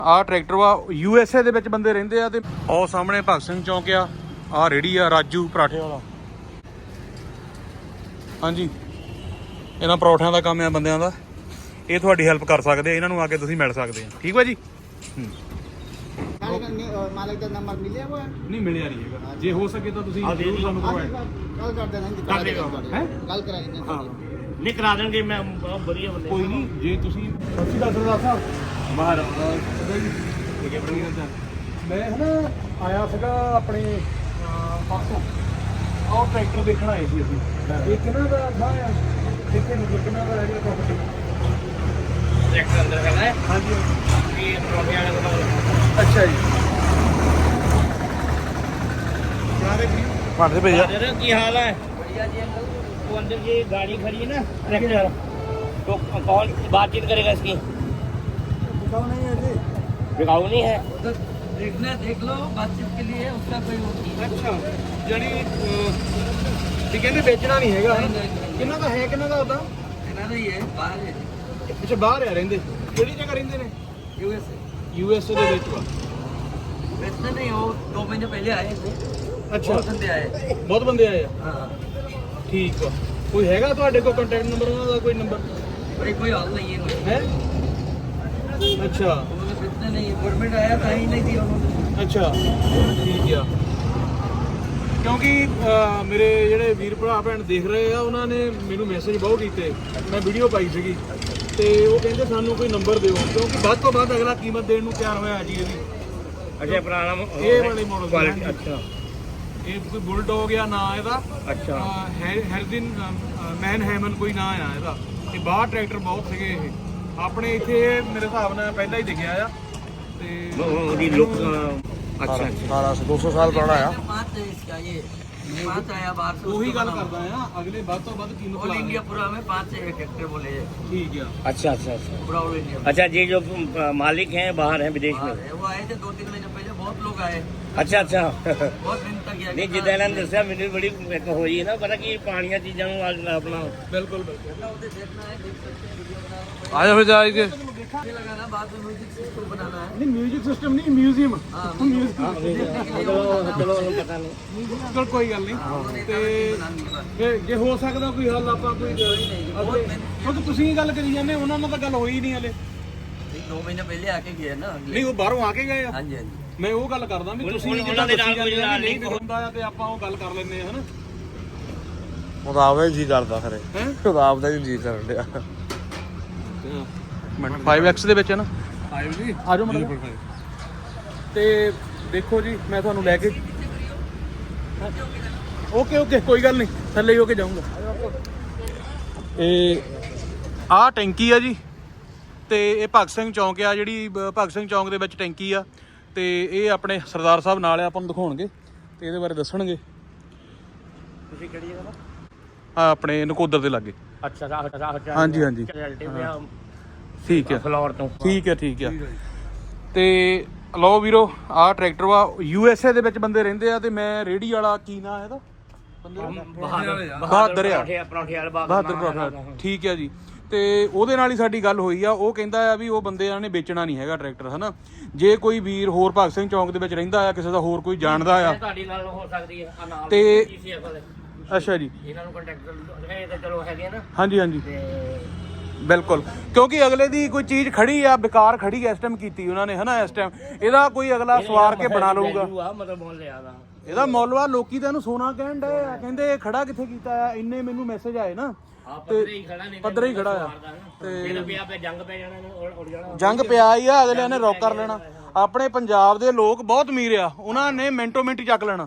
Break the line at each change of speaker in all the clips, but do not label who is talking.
ਆਹ ਟਰੈਕਟਰ ਵਾ USA ਦੇ ਵਿੱਚ ਬੰਦੇ ਰਹਿੰਦੇ ਆ ਤੇ ਉਹ ਸਾਹਮਣੇ ਭਗਤ ਸਿੰਘ ਚੌਂਕ ਆ। ਆਹ ਰੇੜੀ ਆ ਰਾਜੂ ਪਰਾਠੇ ਵਾਲਾ। ਹਾਂਜੀ, ਇਹਨਾਂ ਪਰੌਠਿਆਂ ਦਾ ਕੰਮ ਆ ਬੰਦਿਆਂ ਦਾ। ਇਹ ਤੁਹਾਡੀ ਹੈਲਪ ਕਰ ਸਕਦੇ ਆ, ਇਹਨਾਂ ਨੂੰ ਆ ਕੇ ਤੁਸੀਂ ਮਿਲ ਸਕਦੇ ਆ। ਠੀਕ ਵਾ ਜੀ।
मालिक का नंबर मिले हुआ है?
नहीं मिलिया नहीं है। जे हो सके तो ਤੁਸੀਂ ਜ਼ਰੂਰ ਸਾਨੂੰ ਪ੍ਰੋਵਾਈਡ
कल कर देना
ਹੈ।
कल कराएंगे।
ਹਾਂ
ਨਹੀਂ ਕਰਾ ਦੇਣਗੇ। ਮੈਂ ਬਹੁਤ ਵਧੀਆ ਬੰਦੇ।
ਕੋਈ ਨਹੀਂ, ਜੇ ਤੁਸੀਂ ਸੱਚੀ ਦਾ ਸਰਦਾਰ ਸਾਹਿਬ ਬਾਹਰ ਮੈਂ ਹਨਾ ਆਇਆ ਸੀਗਾ ਆਪਣੇ ਪਾਸੋਂ। ਆਹ ਟਰੈਕਟਰ ਦੇਖਣ ਆਏ ਸੀ ਅਸੀਂ। ਇਹ ਕਿਹਨਾਂ ਦਾ ਥਾਂ ਆ? ਕਿੱਥੇ ਮਤਲਬ ਕਿਹਨਾਂ ਦਾ ਹੈਗਾ ਪ੍ਰੋਪਰਟੀ?
ਟਰੈਕਟਰ ਅੰਦਰ ਖੜਾ ਹੈ।
ਹਾਂਜੀ,
ਇਹ ਪ੍ਰੋਫੇ ਵਾਲੇ ਕੋਲ।
ਅੱਛਾ ਜੀ। ਭਾਂਡੇ ਭੇਜਿਆ।
ਕੀ ਹਾਲ ਹੈ? बढ़िया जी अंकल। वो अंदर ये गाड़ी खड़ी है ना ट्रैक्टर, तो कौन बातचीत करेगा इसकी?
बिकाऊ नहीं है जी।
बिकाऊ नहीं है।
उधर देखना देख लो, बातचीत के लिए उसका कोई वो नहीं।
ਅੱਛਾ, ਜਾਨੀ ਇਹ ਕਹਿੰਦੇ ਵੇਚਣਾ ਨਹੀਂ ਹੈਗਾ। ਕਿੰਨਾ ਦਾ ਹੈ, ਕਿੰਨਾ ਦਾ ਉਹਦਾ?
कहना नहीं है, बाहर है।
ਅੱਛਾ, ਬਾਹਰ ਆ ਰਹਿੰਦੇ। ਕਿਹੜੀ ਜਗ੍ਹਾ ਰਹਿੰਦੇ ਨੇ? USA ਦੇ ਵਿੱਚ ਵਾ।
वैसे नहीं, वो 2 महीने पहले आए थे।
ਅੱਛਾ,
बहुत बंदे आए।
ਬਹੁਤ ਬੰਦੇ ਆਏ ਆ।
हाँ,
ਠੀਕ ਵਾ। ਕੋਈ ਹੈਗਾ ਤੁਹਾਡੇ ਕੋਲ ਕੰਟੈਕਟ ਨੰਬਰ ਉਹਨਾਂ ਦਾ? ਕੋਈ ਨੰਬਰ
भाई कोई हाल नहीं है कोई।
ਹੈ? ਅੱਛਾ
उन्होंने बेचना नहीं है। गवर्नमेंट आया था ही नहीं दिया उन्होंने।
ਅੱਛਾ, ਠੀਕ ਆ। ਕਿਉਂਕਿ ਮੇਰੇ ਜਿਹੜੇ ਵੀਰ ਭਰਾ ਭੈਣ ਦੇਖ ਰਹੇ ਆ, ਉਹਨਾਂ ਨੇ ਮੈਨੂੰ ਮੈਸੇਜ ਬਹੁਤ ਕੀਤੇ। ਮੈਂ ਵੀਡੀਓ ਪਾਈ ਸੀਗੀ ਤੇ ਉਹ ਕਹਿੰਦੇ ਸਾਨੂੰ ਕੋਈ ਨੰਬਰ ਦਿਓ, ਕਿਉਂਕਿ ਵੱਧ ਤੋਂ ਵੱਧ ਅਗਲਾ ਕੀਮਤ ਦੇਣ ਨੂੰ ਤਿਆਰ ਹੋਇਆ ਜੀ ਇਹਦੀ।
अच्छा पुराना
ਇਹ ਵਾਲੇ ਮਾਡਲ
क्वालिटी। अच्छा
ਇਹ ਕੋਈ ਬੁਲਡੌਗ ਆ ਨਾਂ ਇਹਦਾ।
अच्छा।
ਹੈਰਦਿਨ ਮੈਨ ਹੈਮਨ ਕੋਈ ਨਾਂ ਆ ਇਹਦਾ। ਤੇ ਬਾਹਰ ਟਰੈਕਟਰ ਬਹੁਤ ਸੀਗੇ ਇਹ। ਆਪਣੇ ਇੱਥੇ ਮੇਰੇ ਹਿਸਾਬ ਨਾਲ ਪਹਿਲਾਂ ਹੀ ਦਿਖਿਆ ਆ ਤੇ
ਉਹਦੀ ਲੁੱਕ। अच्छा अच्छा।
200 ਸਾਲ ਪੁਰਾਣਾ ਆ।
5 है इसका ये। 5 आया बाहर से।
ਉਹੀ ਗੱਲ ਕਰਦਾ ਆ, ਅਗਲੇ ਵੱਧ ਤੋਂ ਵੱਧ ਕੀਮਤ
ऑल
ਲਾ
इंडिया पूरा में 5 है ट्रैक्टर बोले।
ਠੀਕ ਆ।
अच्छा अच्छा अच्छा।
पूरा ऑल इंडिया।
अच्छा, ये जो मालिक हैं बाहर हैं विदेश में।
वो आए थे 2-3 महीने पहले, बहुत लोग आए।
अच्छा अच्छा।
बहुत दिन तक
ਨਹੀਂ ਜਿੱਦਾਂ ਇਹਨਾਂ ਨੇ ਦੱਸਿਆ ਮੈਨੂੰ ਬੜੀ ਇੱਕ ਹੋਈ ਹੈ ਨਾ ਪਤਾ ਕੀ ਪਾਣੀਆਂ ਚੀਜ਼ਾਂ ਨੂੰ ਆਪਣਾ।
ਬਿਲਕੁਲ ਬਿਲਕੁਲ।
देखना है, देख सकते हैं, वीडियो बनाना।
ਆਜਾ ਫਿਰ ਜਾਈਏ।
ये लगाना, बाद में म्यूजिक सिस्टम बनाना है।
ਨਹੀਂ ਮਿਊਜ਼ਿਕ ਸਿਸਟਮ ਨਹੀਂ, ਮਿਊਜ਼ੀਅਮ।
हाँ,
ਚਲੋ ਉਹਨੂੰ ਪਤਾ ਨਹੀਂ।
ਚਲ ਕੋਈ ਗੱਲ ਨਹੀਂ। ਤੇ ਜੇ ਹੋ ਸਕਦਾ ਕੋਈ ਹੱਲ ਆਪਾਂ ਕੋਈ ਕਿਉਂਕਿ ਤੁਸੀਂ ਹੀ ਗੱਲ ਕਰੀ ਜਾਂਦੇ, ਉਹਨਾਂ ਨਾਲ ਤਾਂ ਗੱਲ ਹੋਈ ਨਹੀਂ ਹਲੇ।
2 महीने पहले आके गए ना।
ਨਹੀਂ ਉਹ ਬਾਹਰੋਂ ਆ ਕੇ ਗਏ ਆ।
हाँ जी हाँ जी।
ਮੈਂ ਉਹ ਗੱਲ ਕਰਦਾ ਵੀ ਤੁਸੀਂ
ਉਹਨਾਂ ਦੇ ਨਾਲ ਕੋਈ ਨਾਲ
ਨਹੀਂ ਹੁੰਦਾ ਆ ਤੇ ਆਪਾਂ ਉਹ ਗੱਲ ਕਰ ਲੈਂਦੇ ਆ ਹਨਾ।
ਉਹਦਾ ਆਪਦਾ ਹੀ ਜੀ ਕਰਦਾ ਖਰੇ।
ਹੈ
ਉਹਦਾ ਆਪਦਾ ਹੀ ਜੀ ਕਰਨ ਡਿਆ।
5X ਦੇ ਵਿੱਚ ਹੈ ਨਾ। 5 ਜੀ ਆ ਜਾਓ ਮਤਲਬ। ਤੇ ਦੇਖੋ ਜੀ, ਮੈਂ ਤੁਹਾਨੂੰ ਲੈ ਕੇ ਓਕੇ ਓਕੇ ਕੋਈ ਗੱਲ ਨਹੀਂ, ਥੱਲੇ ਹੀ ਹੋ ਕੇ ਜਾਊਂਗਾ। ਇਹ ਆਹ ਟੈਂਕੀ ਆ ਜੀ ਤੇ ਇਹ ਭਗਤ ਸਿੰਘ ਚੌਂਕ ਆ, ਜਿਹੜੀ ਭਗਤ ਸਿੰਘ ਚੌਂਕ ਦੇ ਵਿੱਚ ਟੈਂਕੀ ਆ। ਤੇ ਇਹ ਆਪਣੇ ਸਰਦਾਰ ਸਾਹਿਬ ਨਾਲ ਆ, ਆਪਾਂ ਨੂੰ ਦਿਖਾਉਣਗੇ ਤੇ ਇਹਦੇ ਬਾਰੇ ਦੱਸਣਗੇ।
ਤੁਸੀਂ ਕਿਹੜੀ ਜਗ੍ਹਾ
ਆ ਆਪਣੇ ਨਕੋਦਰ ਦੇ ਲਾਗੇ।
ਅੱਛਾ ਅੱਛਾ।
ਹਾਂਜੀ ਹਾਂਜੀ ਠੀਕ ਹੈ।
ਫਲੋਰ ਤੋਂ।
ਠੀਕ ਹੈ ਠੀਕ ਹੈ। ਤੇ ਲਓ ਵੀਰੋ, ਆਹ ਟਰੈਕਟਰ ਵਾ USA ਦੇ ਵਿੱਚ ਬੰਦੇ ਰਹਿੰਦੇ ਆ ਤੇ ਮੈਂ ਰੇੜੀ ਵਾਲਾ ਕੀ ਨਾਂ ਇਹਦਾ? ਬਹਾਦਰ ਆ।
ਪਰੌਂਠੇ ਵਾਲੇ ਬਾਗ।
ਬਹਾਦਰ ਪਰੌਠਾ। ਠੀਕ ਹੈ ਜੀ। ਤੇ ਉਹਦੇ ਨਾਲ ਹੀ ਸਾਡੀ ਗੱਲ ਹੋਈ ਆ। ਉਹ ਕਹਿੰਦਾ ਆ ਵੀ ਉਹ ਬੰਦਿਆਂ ਨੇ ਵੇਚਣਾ ਨਹੀਂ ਹੈਗਾ ਟਰੈਕਟਰ ਹਨਾ। ਜੇ ਕੋਈ ਵੀਰ ਹੋਰ ਭਗਤ ਸਿੰਘ ਚੌਂਕ ਦੇ ਵਿੱਚ ਰਹਿੰਦਾ ਆ, ਕਿਸੇ ਦਾ ਹੋਰ ਕੋਈ ਜਾਣਦਾ ਆ
ਤੁਹਾਡੀ ਗੱਲ ਹੋ ਸਕਦੀ ਹੈ ਨਾਲ
ਤੇ
GCF ਵਾਲੇ।
ਅੱਛਾ ਜੀ।
ਇਹਨਾਂ ਨੂੰ ਕੰਟੈਕਟ ਇਹ ਤਾਂ ਚਲੋ ਹੈਗੇ ਨਾ।
ਹਾਂਜੀ ਹਾਂਜੀ
ਤੇ
ਬਿਲਕੁਲ, ਕਿਉਂਕਿ ਅਗਲੇ ਦੀ ਕੋਈ ਚੀਜ਼ ਖੜੀ ਆ, ਬੇਕਾਰ ਖੜੀ ਇਸ ਟਾਈਮ ਕੀਤੀ ਉਹਨਾਂ ਨੇ ਹਨਾ। ਇਸ ਟਾਈਮ ਇਹਦਾ ਕੋਈ ਅਗਲਾ ਸਵਾਰ ਕੇ ਬਣਾ ਲਊਗਾ।
ਮਤਲਬ ਬੋਲ ਲਿਆ ਦਾ
ਇਹਦਾ ਮੁੱਲ ਵਾ। ਲੋਕੀ ਤਾਂ ਇਹਨੂੰ ਸੋਨਾ ਕਹਿਣ ਡਏ ਆ, ਕਹਿੰਦੇ ਖੜਾ ਕਿੱਥੇ ਕੀਤਾ ਆ। ਇੰਨੇ ਮੈਨੂੰ ਮੈਸੇਜ ਆਏ ਨਾ।
ਪੱਧਰੇ ਹੀ ਖੜਾ ਨਹੀਂ।
ਪੱਧਰੇ ਹੀ ਖੜਾ ਆ
ਤੇ ਪਿਆ ਪੇ ਜੰਗ ਪੈ ਜਾਣਾ ਇਹਨੂੰ, ਉੜ ਜਾਣਾ।
ਜੰਗ ਪਿਆ ਹੀ ਆ, ਅਗਲਿਆਂ ਨੇ ਰੋਕ ਕਰ ਲੈਣਾ। ਆਪਣੇ ਪੰਜਾਬ ਦੇ ਲੋਕ ਬਹੁਤ ਅਮੀਰ ਆ, ਉਹਨਾਂ ਨੇ ਮਿੰਟੋ ਮਿੰਟ ਚੱਕ ਲੈਣਾ।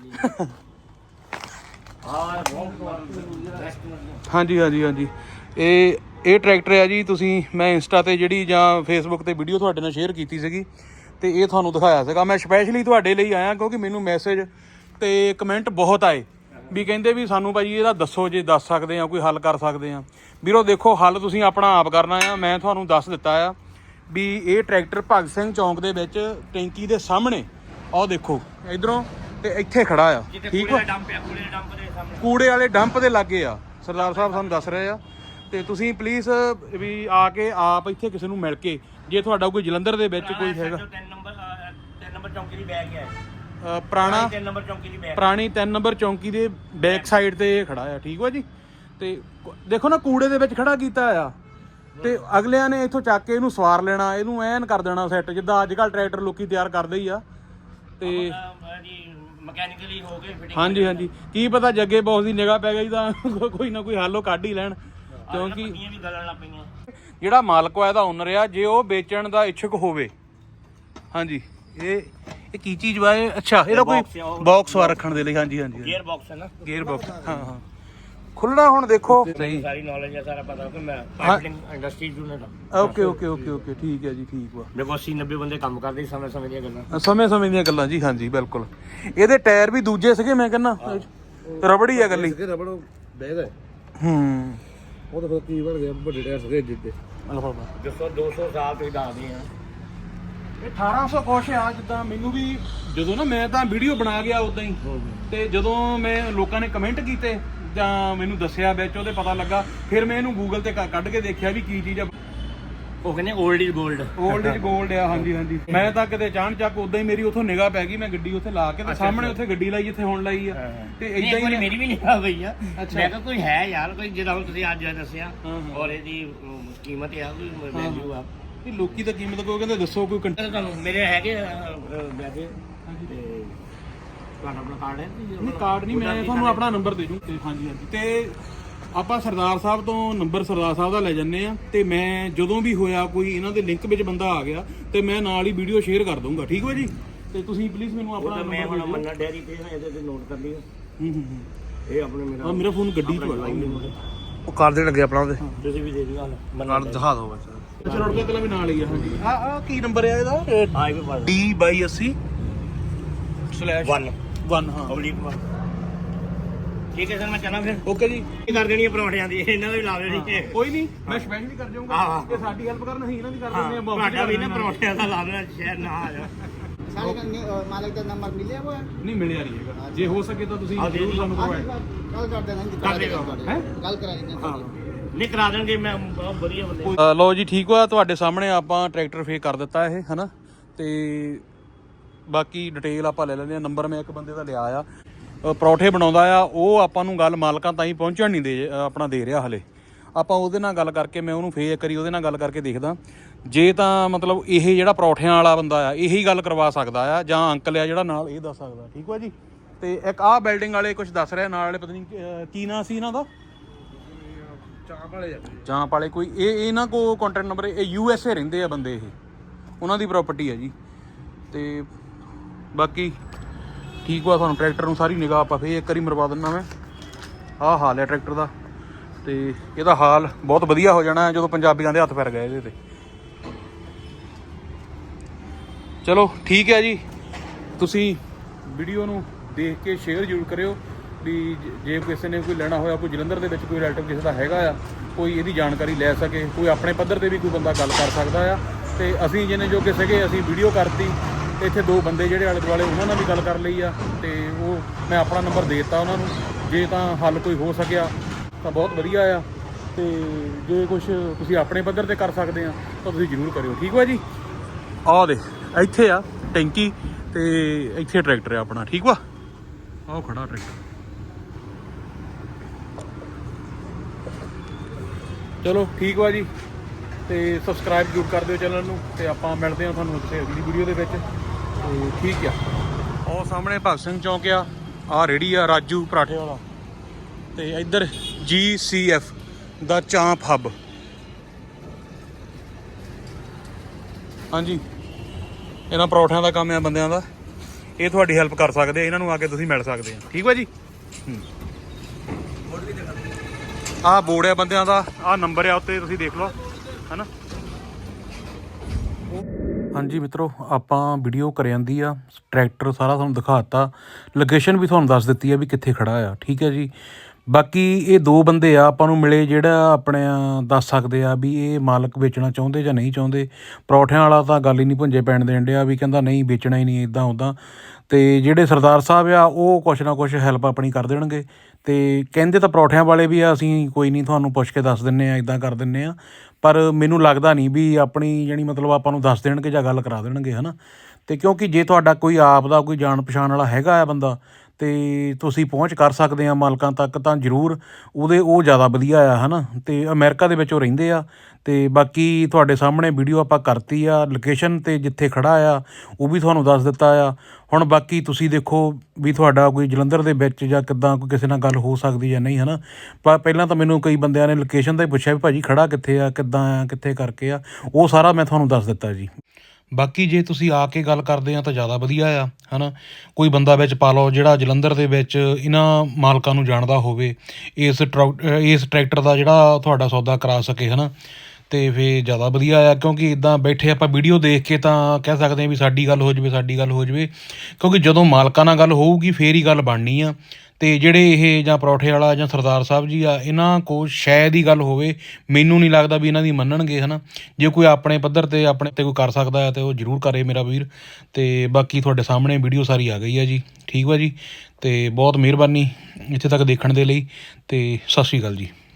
ਹਾਂਜੀ ਹਾਂਜੀ ਹਾਂਜੀ। ਇਹ ਟਰੈਕਟਰ ਆ ਜੀ। ਤੁਸੀਂ ਮੈਂ ਇੰਸਟਾ ਤੇ ਜਿਹੜੀ ਜਾਂ ਫੇਸਬੁੱਕ ਤੇ ਵੀਡੀਓ ਤੁਹਾਡੇ ਨਾਲ ਸ਼ੇਅਰ ਕੀਤੀ ਸੀਗੀ ਤੇ ਇਹ ਤੁਹਾਨੂੰ ਦਿਖਾਇਆ ਸੀਗਾ। ਮੈਂ ਸਪੈਸ਼ਲੀ ਤੁਹਾਡੇ ਲਈ ਆਇਆ ਕਿਉਂਕਿ ਮੈਨੂੰ ਮੈਸੇਜ ਤੇ ਕਮੈਂਟ ਬਹੁਤ ਆਏ ਵੀ ਕਹਿੰਦੇ ਵੀ ਸਾਨੂੰ ਭਾਈ ਇਹਦਾ ਦੱਸੋ, ਜੇ ਦੱਸ ਸਕਦੇ ਆ ਕੋਈ ਹੱਲ ਕਰ ਸਕਦੇ ਆ। ਵੀਰੋ ਦੇਖੋ, ਹੱਲ ਤੁਸੀਂ ਆਪਣਾ ਆਪ ਕਰਨਾ ਆ। ਮੈਂ ਤੁਹਾਨੂੰ ਦੱਸ ਦਿੱਤਾ ਆ ਵੀ ਇਹ ਟਰੈਕਟਰ ਭਗਤ ਸਿੰਘ ਚੌਂਕ ਦੇ ਵਿੱਚ ਟੈਂਕੀ ਦੇ ਸਾਹਮਣੇ, ਆਹ ਦੇਖੋ ਇਧਰੋਂ, ਤੇ ਇੱਥੇ ਖੜਾ ਆ। ਠੀਕ ਆ, ਕੂੜੇ ਵਾਲੇ ਡੰਪ ਦੇ ਲਾਗੇ ਆ। ਸਰਦਾਰ ਸਾਹਿਬ ਸਾਨੂੰ ਦੱਸ ਰਹੇ ਆ। ਤੇ ਤੁਸੀਂ ਪਲੀਜ਼ ਵੀ ਆ ਕੇ ਆਪ ਇੱਥੇ ਕਿਸੇ ਨੂੰ ਮਿਲ ਕੇ ਜੇ ਤੁਹਾਡਾ ਕੋਈ ਜਲੰਧਰ ਦੇ ਵਿੱਚ ਕੋਈ ਹੈਗਾ
3 ਨੰਬਰ ਚੌਂਕੀ ਦੀ ਬੈਗ ਹੈ
ਪੁਰਾਣਾ
3 ਨੰਬਰ ਚੌਂਕੀ ਦੀ ਬੈਗ
ਪੁਰਾਣੀ 3 ਨੰਬਰ ਚੌਂਕੀ ਦੇ ਬੈਕ ਸਾਈਡ ਤੇ ਇਹ ਖੜਾ ਆ, ਠੀਕ ਵਾ ਜੀ। ਤੇ ਦੇਖੋ ਨਾ ਕੂੜੇ ਦੇ ਵਿੱਚ ਖੜਾ ਕੀਤਾ ਆ, ਤੇ ਅਗਲਿਆਂ ਨੇ ਇੱਥੋਂ ਚੱਕ ਕੇ ਇਹਨੂੰ ਸਵਾਰ ਲੈਣਾ, ਇਹਨੂੰ ਐਨ ਕਰ ਦੇਣਾ ਸੈੱਟ, ਜਿੱਦਾਂ ਅੱਜ ਕੱਲ੍ਹ ਟਰੈਕਟਰ ਲੋਕੀ ਤਿਆਰ ਕਰਦੇ ਹੀ ਆ। ਤੇ
ਜੀ ਮਕੈਨੀਕਲੀ ਹੋ ਗਏ ਫਿਟਿੰਗ।
ਹਾਂਜੀ ਹਾਂਜੀ, ਕੀ ਪਤਾ ਜੱਗੇ ਬੌਸ ਦੀ ਨਿਗਾਹ ਪੈ ਗਈ ਤਾਂ ਕੋਈ ਨਾ ਕੋਈ ਹੱਲ ਉਹ ਕੱਢ ਹੀ ਲੈਣ, ਕਿਉਂਕਿ
ਵੀ ਗਲਣ ਲੱਗ ਪਈਆਂ।
ਜਿਹੜਾ ਮਾਲਕ ਆ ਇਹਦਾ ਓਨਰ ਆ, ਜੇ ਉਹ ਵੇਚਣ ਦਾ ਇੱਛੁਕ ਹੋਵੇ, ਹਾਂਜੀ ਇਹ ਕੀ ਚੀਜ਼ ਵਾ ਇਹ? ਅੱਛਾ ਇਹਦਾ ਕੋਈ ਬਾਕਸ ਵਾ ਰੱਖਣ ਦੇ ਲਈ, ਹਾਂਜੀ ਹਾਂਜੀ
ਗੇਅਰ ਬਾਕਸ ਹੈ ਨਾ,
ਗੇਅਰ ਬਾਕਸ, ਹਾਂ ਹਾਂ ਖੁੱਲਣਾ। ਹੁਣ ਦੇਖੋ ਸਹੀ,
ਸਾਰੀ ਨੌਲੇਜ ਹੈ, ਸਾਰਾ ਪਤਾ ਕਿ ਮੈਂ ਪਾਈਪਿੰਗ ਇੰਡਸਟਰੀ ਯੂਨਿਟ ਹਾਂ।
ਓਕੇ ਓਕੇ ਓਕੇ ਓਕੇ, ਠੀਕ ਹੈ ਜੀ, ਠੀਕ ਵਾ।
ਦੇਖੋ 80-90 ਬੰਦੇ ਕੰਮ ਕਰਦੇ ਸਮੇਂ ਸਮੇਂ ਦੀਆਂ ਗੱਲਾਂ,
ਸਮੇਂ ਸਮੇਂ ਦੀਆਂ ਗੱਲਾਂ ਜੀ, ਹਾਂਜੀ ਬਿਲਕੁਲ। ਇਹਦੇ ਟਾਇਰ ਵੀ ਦੂਜੇ ਸੀਗੇ, ਮੈਂ ਕਹਿੰਦਾ ਰਬੜ ਹੀ ਆ ਗੱਲੀ।
ਰਬੜ ਬੈਗ ਹੈ ਉਹ ਤਾਂ ਫਿਰ ਕੀ ਬਣ ਗਿਆ, ਵੱਡੇ ਟਾਇਰ ਸੀਗੇ ਜਿੱਦੇ
ਜਿਸੋ 200 ਸਾਲ ਤੋਂ ਹੀ ਦੱਸਦੇ ਆ।
ਇਹ 1800 ਕੁਛ ਆ, ਜਿੱਦਾਂ ਮੈਨੂੰ ਵੀ ਜਦੋਂ ਨਾ ਮੈਂ ਤਾਂ ਵੀਡੀਓ ਬਣਾ ਗਿਆ ਉਦਾਂ ਹੀ, ਤੇ ਜਦੋਂ ਮੈਂ ਲੋਕਾਂ ਨੇ ਕਮੈਂਟ ਕੀਤੇ ਜਾਂ ਮੈਨੂੰ ਦੱਸਿਆ ਵਿੱਚ ਉਹਦੇ ਪਤਾ ਲੱਗਾ, ਫਿਰ ਮੈਂ ਇਹਨੂੰ ਗੂਗਲ ਤੇ ਕੱਢ ਕੇ ਦੇਖਿਆ ਵੀ ਕੀ ਚੀਜ਼ ਆ।
ਉਹ ਕਹਿੰਦੇ 올ਡ ਇਜ਼ 골ਡ,
올ਡ ਇਜ਼ 골ਡ ਆ, ਹਾਂਜੀ ਹਾਂਜੀ। ਮੈਂ ਤਾਂ ਕਿਤੇ ਅਚਾਨਕ ਉਦਾਂ ਹੀ ਮੇਰੀ ਉੱਥੋਂ ਨਿਗਾਹ ਪੈ ਗਈ, ਮੈਂ ਗੱਡੀ ਉੱਥੇ ਲਾ ਕੇ ਤੇ ਸਾਹਮਣੇ ਉੱਥੇ ਗੱਡੀ ਲਾਈ ਜਿੱਥੇ ਹੁਣ ਲਾਈ ਆ, ਤੇ ਇਦਾਂ ਹੀ
ਮੇਰੀ ਵੀ ਨਿਗਾਹ ਪਈ ਆ। ਮੈਂ ਕਿਹਾ ਕੋਈ ਹੈ ਯਾਰ, ਕੋਈ ਜਿਹੜਾ ਹੁਣ ਤੁਸੀਂ ਅੱਜ ਦੱਸਿਆ ਔਰ ਇਹਦੀ ਕੀਮਤ ਆ, ਕੋਈ ਵੈਲਿਊ ਆ।
ਇਹ ਲੋਕੀ ਤਾਂ ਕੀਮਤ ਕੋਈ ਕਹਿੰਦੇ ਦੱਸੋ ਕੋਈ
ਤੁਹਾਨੂੰ ਮੇਰੇ ਹੈਗੇ ਵੈਸੇ ਤੇ ਤੁਹਾਡਾ ਆਪਣਾ ਕਾਰਡ ਹੈ?
ਨਹੀਂ ਕਾਰਡ ਨਹੀਂ, ਮੈਂ ਤੁਹਾਨੂੰ ਆਪਣਾ ਨੰਬਰ ਦੇ ਦੂੰ। ਤੇ ਹਾਂਜੀ ਹਾਂਜੀ, ਤੇ ਆਪਾਂ ਸਰਦਾਰ ਸਾਹਿਬ ਤੋਂ ਨੰਬਰ ਸਰਦਾਰ ਸਾਹਿਬ ਦਾ ਲੈ ਜੰਨੇ ਆ, ਤੇ ਮੈਂ ਜਦੋਂ ਵੀ ਹੋਇਆ ਕੋਈ ਇਹਨਾਂ ਦੇ ਲਿੰਕ ਵਿੱਚ ਬੰਦਾ ਆ ਗਿਆ ਤੇ ਮੈਂ ਨਾਲ ਹੀ ਵੀਡੀਓ ਸ਼ੇਅਰ ਕਰ ਦੂੰਗਾ, ਠੀਕ ਹੋ ਜੀ। ਤੇ ਤੁਸੀਂ ਪਲੀਜ਼ ਮੈਨੂੰ ਆਪਣਾ ਨੰਬਰ
ਮੈਂ ਹੁਣ ਮੰਨਾ ਡੈਰੀ ਤੇ ਇਹਦੇ ਤੇ ਨੋਟ ਕਰ ਲਿਓ। ਇਹ ਆਪਣੇ
ਮੇਰਾ ਫੋਨ ਗੱਡੀ 'ਚ ਆ,
ਉਹ ਕਰ ਦੇਣ ਲੱਗੇ ਆਪਣਾ ਉਹਦੇ,
ਤੁਸੀਂ ਵੀ ਦੇ ਦਿਓ
ਕਰ ਦਿਖਾ ਦਿਓ ਬਸ।
ਅੱਛਾ ਰੋਡ ਦਾ ਤਲਾ ਵੀ ਨਾਲ ਹੀ ਆ, ਹਾਂਜੀ। ਆ ਕੀ ਨੰਬਰ ਹੈ ਇਹਦਾ?
ਹਾਈਵੇ ਪਰ
D/80/1 ਹਾਂ,
ਓਬਲੀਕ 1। ਠੀਕ ਹੈ ਸਰ, ਮੈਂ ਚੱਲਾਂ ਫਿਰ।
ਓਕੇ ਜੀ,
ਕੀ ਕਰ ਦੇਣੀ ਹੈ ਪਰੌਂਠਿਆਂ ਦੀ, ਇਹਨਾਂ ਦਾ ਵੀ ਲਾ ਦੇਣੀ ਹੈ।
ਕੋਈ ਨਹੀਂ, ਮੈਂ ਸਪੈਸ਼ਲੀ ਕਰ ਜਾਊਂਗਾ। ਇਹ ਸਾਡੀ ਹੈਲਪ ਕਰਨ, ਅਸੀਂ ਇਹਨਾਂ ਦੀ ਕਰ ਦਿੰਦੇ ਆ।
ਤੁਹਾਡਾ ਵੀ ਨਾ ਪਰੌਂਠਿਆਂ ਦਾ ਲਾ ਦੇਣਾ, ਸ਼ਹਿਰ ਨਾ ਆ ਜਾ।
मालिक का नंबर मिले हुआ है?
ਨਹੀਂ ਮਿਲਿਆ ਨਹੀਂ ਹੈਗਾ, ਜੇ ਹੋ ਸਕੇ ਤਾਂ ਤੁਸੀਂ ਜ਼ਰੂਰ ਸਾਨੂੰ ਪ੍ਰੋਵਾਈਡ
कल कर देना,
ਕਰ ਦੇਗਾ
कल कराएंगे।
ਹਾਂ, ਨਹੀਂ ਕਰਾ ਦੇਣਗੇ, ਮੈਂ ਬਹੁਤ ਵਧੀਆ ਬੰਦੇ।
ਲਓ ਜੀ, ਠੀਕ ਵਾ, ਤੁਹਾਡੇ ਸਾਹਮਣੇ ਆਪਾਂ ਟਰੈਕਟਰ ਫੇਕ ਕਰ ਦਿੱਤਾ ਇਹ, ਹਨਾ। ਤੇ ਬਾਕੀ ਡਿਟੇਲ ਆਪਾਂ ਲੈ ਲੈਂਦੇ ਆ। ਨੰਬਰ ਮੈਂ ਇੱਕ ਬੰਦੇ ਦਾ ਲਿਆ ਆ, ਪਰੌਠੇ ਬਣਾਉਂਦਾ ਆ ਉਹ, ਆਪਾਂ ਨੂੰ ਗੱਲ ਮਾਲਕਾਂ ਤਾਈਂ ਪਹੁੰਚਣ ਨਹੀਂ ਦੇ ਆਪਣਾ ਦੇ ਰਿਹਾ ਹਲੇ। ਆਪਾਂ ਉਹਦੇ ਨਾਲ ਗੱਲ ਕਰਕੇ, ਮੈਂ ਉਹਨੂੰ ਫੇਰ ਕਰੀ ਉਹਦੇ ਨਾਲ ਗੱਲ ਕਰਕੇ ਦੇਖਦਾ, ਜੇ ਤਾਂ ਮਤਲਬ ਇਹ ਜਿਹੜਾ ਪਰੌਠਿਆਂ ਵਾਲਾ ਬੰਦਾ ਆ ਇਹੀ ਗੱਲ ਕਰਵਾ ਸਕਦਾ ਆ, ਜਾਂ ਅੰਕਲ ਆ ਜਿਹੜਾ ਨਾਲ ਇਹ ਦੱਸ ਸਕਦਾ, ਠੀਕ ਵਾ ਜੀ। ਤੇ ਇੱਕ ਆਹ ਬਿਲਡਿੰਗ ਵਾਲੇ ਕੁਝ ਦੱਸ ਰਿਹਾ ਨਾਲ ਵਾਲੇ, ਪਤਾ ਨਹੀਂ ਕੀ ਨਾਂ ਸੀ ਇਹਨਾਂ ਦਾ, ਚਾਂਪ ਵਾਲੇ ਕੋਈ। ਇਹ ਇਹਨਾਂ ਕੋਲ ਕੰਟੈਕਟ ਨੰਬਰ, ਇਹ USA ਰਹਿੰਦੇ ਆ ਬੰਦੇ, ਇਹ ਉਹਨਾਂ ਦੀ ਪ੍ਰਾਪਰਟੀ ਹੈ ਜੀ। ਤੇ ਬਾਕੀ ਠੀਕ ਵਾ, ਤੁਹਾਨੂੰ ਟਰੈਕਟਰ ਨੂੰ ਸਾਰੀ ਨਿਗਾਹ ਆਪਾਂ ਫੇਰ ਇੱਕ ਵਾਰੀ ਮਰਵਾ ਦਿੰਦਾ ਮੈਂ। ਆਹ ਹਾਲ ਹੈ ਟਰੈਕਟਰ ਦਾ, ਤੇ ਇਹਦਾ ਹਾਲ ਬਹੁਤ ਵਧੀਆ ਹੋ ਜਾਣਾ ਜਦੋਂ ਪੰਜਾਬੀਆਂ ਦੇ ਹੱਥ ਪੈਰ ਗਏ ਇਹਦੇ ਤੇ। ਚਲੋ ਠੀਕ ਹੈ ਜੀ, ਤੁਸੀਂ ਵੀਡੀਓ ਨੂੰ ਦੇਖ ਕੇ ਸ਼ੇਅਰ ਜ਼ਰੂਰ ਕਰਿਓ ਵੀ ਜੇ ਕਿਸੇ ਨੇ ਕੋਈ ਲੈਣਾ ਹੋਇਆ, ਕੋਈ ਜਲੰਧਰ ਦੇ ਵਿੱਚ ਕੋਈ ਰਿਲੇਟਿਵ ਕਿਸੇ ਦਾ ਹੈਗਾ ਆ, ਕੋਈ ਇਹਦੀ ਜਾਣਕਾਰੀ ਲੈ ਸਕੇ, ਕੋਈ ਆਪਣੇ ਪੱਧਰ ਤੇ ਵੀ ਕੋਈ ਬੰਦਾ ਗੱਲ ਕਰ ਸਕਦਾ ਆ। ਤੇ ਅਸੀਂ ਜਿਹਨੇ ਜੋ ਕਿ ਸੀਗੇ, ਅਸੀਂ ਵੀਡੀਓ ਕਰਤੀ, ਇੱਥੇ ਦੋ ਬੰਦੇ ਜਿਹੜੇ ਆਲੇ ਦੁਆਲੇ ਉਹਨਾਂ ਨਾਲ ਵੀ ਗੱਲ ਕਰ ਲਈ ਆ, ਤੇ ਉਹ ਮੈਂ ਆਪਣਾ ਨੰਬਰ ਦੇ ਦਿੱਤਾ ਉਹਨਾਂ ਨੂੰ। ਜੇ ਤਾਂ ਹੱਲ ਕੋਈ ਹੋ ਸਕਿਆ ਤਾਂ ਬਹੁਤ ਵਧੀਆ ਆ, ਤੇ ਜੇ ਕੁਝ ਤੁਸੀਂ ਆਪਣੇ ਪੱਧਰ ਤੇ ਕਰ ਸਕਦੇ ਆ ਤਾਂ ਤੁਸੀਂ ਜ਼ਰੂਰ ਕਰਿਓ, ਠੀਕ ਵਾ ਜੀ। ਆਹ ਦੇ ਇੱਥੇ ਆ ਟੈਂਕੀ, ਤੇ ਇੱਥੇ ਟਰੈਕਟਰ ਆ ਆਪਣਾ, ਠੀਕ ਵਾ। ਆਹ ਖੜਾ ਟਰੈਕਟਰ। ਚਲੋ ਠੀਕ ਵਾ ਜੀ, ਤੇ ਸਬਸਕ੍ਰਾਈਬ ਜ਼ਰੂਰ ਕਰ ਦਿਓ ਚੈਨਲ ਨੂੰ, ਤੇ ਆਪਾਂ ਮਿਲਦੇ ਹਾਂ ਤੁਹਾਨੂੰ ਕਿਸੇ ਅਗਲੀ ਵੀਡੀਓ ਦੇ ਵਿੱਚ। ਤੇ ਠੀਕ ਆ, ਉਹ ਸਾਹਮਣੇ ਭਗਤ ਸਿੰਘ ਚੌਂਕ ਆ, ਆਹ ਰੇਹੜੀ ਆ ਰਾਜੂ ਪਰਾਠੇ ਵਾਲਾ, ਤੇ ਇੱਧਰ GCF ਦਾ ਚਾਂਪ ਹੱਬ। ਹਾਂਜੀ, ਇਹਨਾਂ ਪਰੌਠਿਆਂ ਦਾ ਕੰਮ ਆ ਬੰਦਿਆਂ ਦਾ, ਇਹ ਤੁਹਾਡੀ ਹੈਲਪ ਕਰ ਸਕਦੇ ਆ, ਇਹਨਾਂ ਨੂੰ ਆ ਕੇ ਤੁਸੀਂ ਮਿਲ ਸਕਦੇ ਆ, ਠੀਕ ਵਾ ਜੀ। ਆਹ ਬੋਰਡ ਆ ਬੰਦਿਆਂ ਦਾ, ਆਹ ਨੰਬਰ ਆ ਉੱਤੇ, ਤੁਸੀਂ ਦੇਖ ਲਓ, ਹਨਾ। ਹਾਂਜੀ ਮਿੱਤਰੋ, ਆਪਾਂ ਵੀਡੀਓ ਕਰ ਜਾਂਦੀ ਆ, ਟਰੈਕਟਰ ਸਾਰਾ ਤੁਹਾਨੂੰ ਦਿਖਾਤਾ, ਲੋਕੇਸ਼ਨ ਵੀ ਤੁਹਾਨੂੰ ਦੱਸ ਦਿੱਤੀ ਆ ਵੀ ਕਿੱਥੇ ਖੜਾ ਆ, ਠੀਕ ਹੈ ਜੀ। ਬਾਕੀ ਇਹ ਦੋ ਬੰਦੇ ਆ ਆਪਾਂ ਨੂੰ ਮਿਲੇ, ਜਿਹੜਾ ਆਪਣੇ ਦੱਸ ਸਕਦੇ ਆ ਵੀ ਇਹ ਮਾਲਕ ਵੇਚਣਾ ਚਾਹੁੰਦੇ ਜਾਂ ਨਹੀਂ ਚਾਹੁੰਦੇ। ਪਰੌਠਿਆਂ ਵਾਲਾ ਤਾਂ ਗੱਲ ਹੀ ਨਹੀਂ ਭੁੰਜੇ ਪੈਣ ਦੇਣ ਡਿਆ, ਵੀ ਕਹਿੰਦਾ ਨਹੀਂ ਵੇਚਣਾ ਹੀ ਨਹੀਂ, ਇੱਦਾਂ ਉੱਦਾਂ। ਤੇ ਜਿਹੜੇ ਸਰਦਾਰ ਸਾਹਿਬ ਆ ਉਹ ਕੁਛ ਨਾ ਕੁਛ ਹੈਲਪ ਆਪਣੀ ਕਰ ਦੇਣਗੇ, ਤੇ ਕਹਿੰਦੇ ਤਾਂ ਪਰੌਠਿਆਂ ਵਾਲੇ ਵੀ ਆ, ਅਸੀਂ ਕੋਈ ਨਹੀਂ ਤੁਹਾਨੂੰ ਪੁੱਛ ਕੇ ਦੱਸ ਦਿੰਦੇ ਆ, ਇੱਦਾਂ ਕਰ ਦਿੰਦੇ ਆ। ਪਰ ਮੈਨੂੰ ਲੱਗਦਾ ਨਹੀਂ ਵੀ ਆਪਣੀ ਜਾਣੀ ਮਤਲਬ ਆਪਾਂ ਨੂੰ ਦੱਸ ਦੇਣਗੇ ਜਾਂ ਗੱਲ ਕਰਾ ਦੇਣਗੇ ਹੈ ਨਾ। ਅਤੇ ਕਿਉਂਕਿ ਜੇ ਤੁਹਾਡਾ ਕੋਈ ਆਪ ਦਾ ਕੋਈ ਜਾਣ ਪਛਾਣ ਵਾਲਾ ਹੈਗਾ ਆ ਬੰਦਾ ਅਤੇ ਤੁਸੀਂ ਪਹੁੰਚ ਕਰ ਸਕਦੇ ਆ ਮਾਲਕਾਂ ਤੱਕ ਤਾਂ ਜ਼ਰੂਰ ਉਹ ਜ਼ਿਆਦਾ ਵਧੀਆ ਆ ਹੈ ਨਾ। ਅਤੇ ਅਮਰੀਕਾ ਦੇ ਵਿੱਚ ਉਹ ਰਹਿੰਦੇ ਆ। ਅਤੇ ਬਾਕੀ ਤੁਹਾਡੇ ਸਾਹਮਣੇ ਵੀਡੀਓ ਆਪਾਂ ਕਰਤੀ ਆ, ਲੋਕੇਸ਼ਨ 'ਤੇ ਜਿੱਥੇ ਖੜ੍ਹਾ ਆ ਉਹ ਵੀ ਤੁਹਾਨੂੰ ਦੱਸ ਦਿੱਤਾ ਆ। ਹੁਣ ਬਾਕੀ ਤੁਸੀਂ ਦੇਖੋ ਵੀ ਤੁਹਾਡਾ ਕੋਈ ਜਲੰਧਰ ਦੇ ਵਿੱਚ ਜਾਂ ਕਿੱਦਾਂ ਕੋਈ ਕਿਸੇ ਨਾਲ ਗੱਲ ਹੋ ਸਕਦੀ ਜਾਂ ਨਹੀਂ ਹੈ ਨਾ। ਪਹਿਲਾਂ ਤਾਂ ਮੈਨੂੰ ਕਈ ਬੰਦਿਆਂ ਨੇ ਲੋਕੇਸ਼ਨ ਦਾ ਹੀ ਪੁੱਛਿਆ ਵੀ ਭਾਜੀ ਖੜ੍ਹਾ ਕਿੱਥੇ ਆ, ਕਿੱਦਾਂ ਆ, ਕਿੱਥੇ ਕਰਕੇ ਆ, ਉਹ ਸਾਰਾ ਮੈਂ ਤੁਹਾਨੂੰ ਦੱਸ ਦਿੱਤਾ ਜੀ। ਬਾਕੀ ਜੇ ਤੁਸੀਂ ਆ ਕੇ ਗੱਲ ਕਰਦੇ ਆ ਤਾਂ ਜ਼ਿਆਦਾ ਵਧੀਆ ਆ ਹੈ ਨਾ। ਕੋਈ ਬੰਦਾ ਵਿੱਚ ਪਾ ਲਓ ਜਿਹੜਾ ਜਲੰਧਰ ਦੇ ਵਿੱਚ ਇਹਨਾਂ ਮਾਲਕਾਂ ਨੂੰ ਜਾਣਦਾ ਹੋਵੇ, ਇਸ ਟਰੈਕਟਰ ਦਾ ਜਿਹੜਾ ਤੁਹਾਡਾ ਸੌਦਾ ਕਰਾ ਸਕੇ ਹੈ ਨਾ। ਅਤੇ ਫਿਰ ਜ਼ਿਆਦਾ ਵਧੀਆ ਆ, ਕਿਉਂਕਿ ਇੱਦਾਂ ਬੈਠੇ ਆਪਾਂ ਵੀਡੀਓ ਦੇਖ ਕੇ ਤਾਂ ਕਹਿ ਸਕਦੇ ਹਾਂ ਵੀ ਸਾਡੀ ਗੱਲ ਹੋ ਜਾਵੇ, ਸਾਡੀ ਗੱਲ ਹੋ ਜਾਵੇ, ਕਿਉਂਕਿ ਜਦੋਂ ਮਾਲਕਾਂ ਨਾਲ ਗੱਲ ਹੋਊਗੀ ਫੇਰ ਹੀ ਗੱਲ ਬਣਨੀ ਆ। ਅਤੇ ਜਿਹੜੇ ਇਹ ਜਾਂ ਪਰੌਠੇ ਵਾਲਾ ਜਾਂ ਸਰਦਾਰ ਸਾਹਿਬ ਜੀ ਆ, ਇਹਨਾਂ ਕੋਲ ਸ਼ਾਇਦ ਹੀ ਗੱਲ ਹੋਵੇ, ਮੈਨੂੰ ਨਹੀਂ ਲੱਗਦਾ ਵੀ ਇਹਨਾਂ ਦੀ ਮੰਨਣਗੇ ਹੈ ਨਾ। ਜੇ ਕੋਈ ਆਪਣੇ ਪੱਧਰ 'ਤੇ ਆਪਣੇ 'ਤੇ ਕੋਈ ਕਰ ਸਕਦਾ ਹੈ ਤਾਂ ਉਹ ਜ਼ਰੂਰ ਕਰੇ ਮੇਰਾ ਵੀਰ। ਅਤੇ ਬਾਕੀ ਤੁਹਾਡੇ ਸਾਹਮਣੇ ਵੀਡੀਓ ਸਾਰੀ ਆ ਗਈ ਆ ਜੀ, ਠੀਕ ਵਾ ਜੀ। ਅਤੇ ਬਹੁਤ ਮਿਹਰਬਾਨੀ ਇੱਥੇ ਤੱਕ ਦੇਖਣ ਦੇ ਲਈ, ਅਤੇ ਸਤਿ ਸ਼੍ਰੀ ਅਕਾਲ ਜੀ।